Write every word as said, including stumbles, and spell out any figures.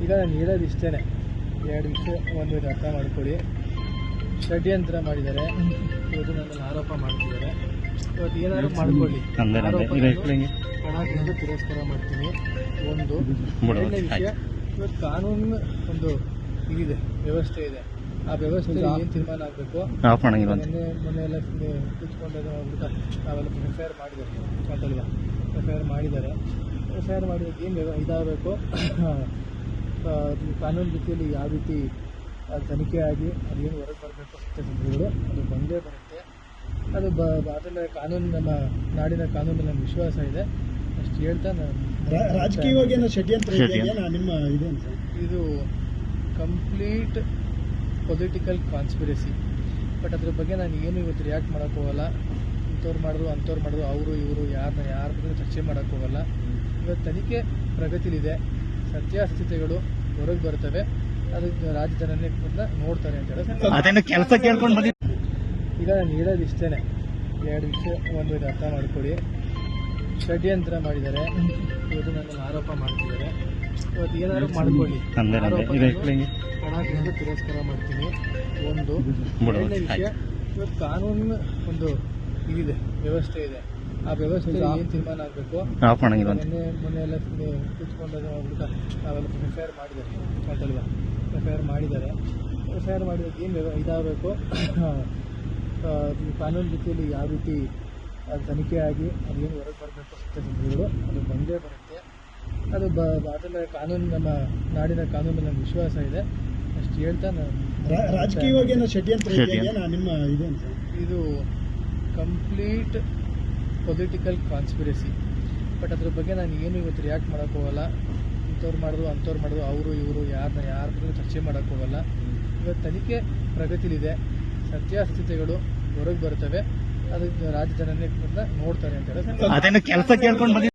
ಈಗ ನಾನು ಹೇಳೋದು ಇಷ್ಟೇ, ಎರಡು ವಿಷಯ ಒಂದು ಅರ್ಥ ಮಾಡ್ಕೊಳ್ಳಿ. ಷಡ್ಯಂತ್ರ ಮಾಡಿದ್ದಾರೆ, ಇವತ್ತು ನನ್ನನ್ನು ಆರೋಪ ಮಾಡ್ತಿದ್ದಾರೆ. ಇವತ್ತು ಏನಾದ್ರು ಮಾಡ್ಕೊಳ್ಳಿ, ಆರೋಪ ತಿರಸ್ಕಾರ ಮಾಡ್ತೀನಿ. ಒಂದು ಎರಡನೇ ವಿಷಯ, ಇವತ್ತು ಕಾನೂನು ಒಂದು ಇದಿದೆ, ವ್ಯವಸ್ಥೆ ಇದೆ. ಆ ವ್ಯವಸ್ಥೆ ಏನು ತೀರ್ಮಾನ ಆಗಬೇಕು. ಮೊನ್ನೆ ಮೊನ್ನೆ ಎಲ್ಲ ಕೂತ್ಕೊಂಡು ನಾವೆಲ್ಲ ಎಫ್ ಐ ಆರ್ ಮಾಡಿದ್ದಾರೆ ಅಂತಲ್ವಾ, ಎಫ್ ಐ ಆರ್ ಮಾಡಿದ್ದಾರೆ. ಎಫ್ ಐ ಆರ್ ಮಾಡಿದಾಗ ಏನು ಇದಾಗಬೇಕು, ಕಾನೂನು ರೀತಿಯಲ್ಲಿ ಯಾವ ರೀತಿ ತನಿಖೆ ಆಗಿ ಅದೇನು ಹೊರಗೆ ಬರಬೇಕು ಸತ್ಯಸಂಧಗಳು ಅದು ಬಂದೇ ಬರುತ್ತೆ. ಅದು ಬ ಅದನ್ನು ಕಾನೂನು, ನಮ್ಮ ನಾಡಿನ ಕಾನೂನು ನಮ್ಮ ವಿಶ್ವಾಸ ಇದೆ. ಅಷ್ಟು ಹೇಳ್ತಾ ನಾನು ರಾಜಕೀಯವಾಗಿ ಷಡ್ಯಂತ್ರ ನಿಮ್ಮ ಇದೆ ಅಂತ, ಇದು ಕಂಪ್ಲೀಟ್ ಪೊಲಿಟಿಕಲ್ ಕಾನ್ಸ್ಪಿರಸಿ. ಬಟ್ ಅದ್ರ ಬಗ್ಗೆ ನಾನು ಏನು ಇವತ್ತು ರಿಯಾಕ್ಟ್ ಮಾಡೋಕ್ಕೆ ಹೋಗಲ್ಲ. ಇಂಥವ್ರು ಮಾಡಿದ್ರು ಅಂಥವ್ರು ಮಾಡಿದ್ರು, ಅವರು ಇವರು ಯಾರನ್ನ ಯಾರ ಬಗ್ಗೆ ಚರ್ಚೆ ಮಾಡೋಕ್ಕೆ ಹೋಗಲ್ಲ. ಇವತ್ತು ತನಿಖೆ ಪ್ರಗತಿಲಿದೆ, ಸತ್ಯಾಸತ್ಯತೆಗಳು ಹೊರಗೆ ಬರ್ತವೆ. ಅದಕ್ಕೆ ರಾಜ್ಯ ಜನನೇ ನೋಡ್ತಾರೆ ಅಂತ ಹೇಳಿ ಕೆಲಸ ಕೇಳ್ಕೊಂಡು ಬಂದಿ. ಈಗ ನಾನು ಹೇಳೋದು ಇಷ್ಟೇ, ಎರಡು ವಿಷಯ ಒಂದು ಅರ್ಥ ಮಾಡ್ಕೊಳ್ಳಿ. ಷಡ್ಯಂತ್ರ ಮಾಡಿದ್ದಾರೆ, ಇವತ್ತು ನನ್ನನ್ನು ಆರೋಪ ಮಾಡ್ತಿದ್ದಾರೆ. ಇವತ್ತು ಏನಾದ್ರು ಮಾಡ್ಕೊಳ್ಳಿ, ಆರೋಪ ತಿರಸ್ಕಾರ ಮಾಡ್ತೀನಿ. ಒಂದು ಎರಡನೇ ವಿಷಯ, ಇವತ್ತು ಕಾನೂನು ಒಂದು ಇದಿದೆ, ವ್ಯವಸ್ಥೆ ಇದೆ. ಆ ವ್ಯವಸ್ಥೆ ಏನು ತೀರ್ಮಾನ ಆಗಬೇಕು. ಮೊನ್ನೆ ಮೊನ್ನೆ ಎಲ್ಲ ಕೂತ್ಕೊಂಡು ನಾವೆಲ್ಲ ಎಫ್ ಐ ಆರ್ ಮಾಡಿದ್ದಾರೆ ಅಂತಲ್ವಾ, ಎಫ್ ಐ ಆರ್ ಮಾಡಿದ್ದಾರೆ. ಎಫ್ ಐ ಆರ್ ಮಾಡಿದಾಗ ಏನು ಇದಾಗಬೇಕು, ಕಾನೂನು ರೀತಿಯಲ್ಲಿ ಯಾವ ರೀತಿ ತನಿಖೆ ಆಗಿ ಅದೇನು ಹೊರಗೆ ಬರಬೇಕು ಸತ್ಯಸಂಧಗಳು ಅದು ಬಂದೇ ಬರುತ್ತೆ. ಅದು ಬ ಅದನ್ನು ಕಾನೂನು, ನಮ್ಮ ನಾಡಿನ ಕಾನೂನು ನಮ್ಮ ವಿಶ್ವಾಸ ಇದೆ. ಅಷ್ಟು ಹೇಳ್ತಾ ನಾನು ರಾಜಕೀಯವಾಗಿ ಷಡ್ಯಂತ್ರ ನಿಮ್ಮ ಇದೆ ಅಂತ, ಇದು ಕಂಪ್ಲೀಟ್ ಪೊಲಿಟಿಕಲ್ ಕಾನ್ಸ್ಪಿರಸಿ. ಬಟ್ ಅದ್ರ ಬಗ್ಗೆ ನಾನು ಏನು ಇವತ್ತು ರಿಯಾಕ್ಟ್ ಮಾಡೋಕ್ಕೆ ಹೋಗಲ್ಲ. ಇಂಥವ್ರು ಮಾಡಿದ್ರು ಅಂಥವ್ರು ಮಾಡಿದ್ರು, ಅವರು ಇವರು ಯಾರನ್ನ ಯಾರ ಬಗ್ಗೆ ಚರ್ಚೆ ಮಾಡೋಕ್ಕೆ ಹೋಗಲ್ಲ. ಇವತ್ತು ತನಿಖೆ ಪ್ರಗತಿಲಿದೆ, ಸತ್ಯಾಸತ್ಯತೆಗಳು ಹೊರಗೆ ಬರ್ತವೆ. ಅದಕ್ಕೆ ರಾಜ್ಯ ಜನನೇ ನೋಡ್ತಾರೆ ಅಂತ ಹೇಳಿ ಕೆಲಸ ಕೇಳ್ಕೊಂಡು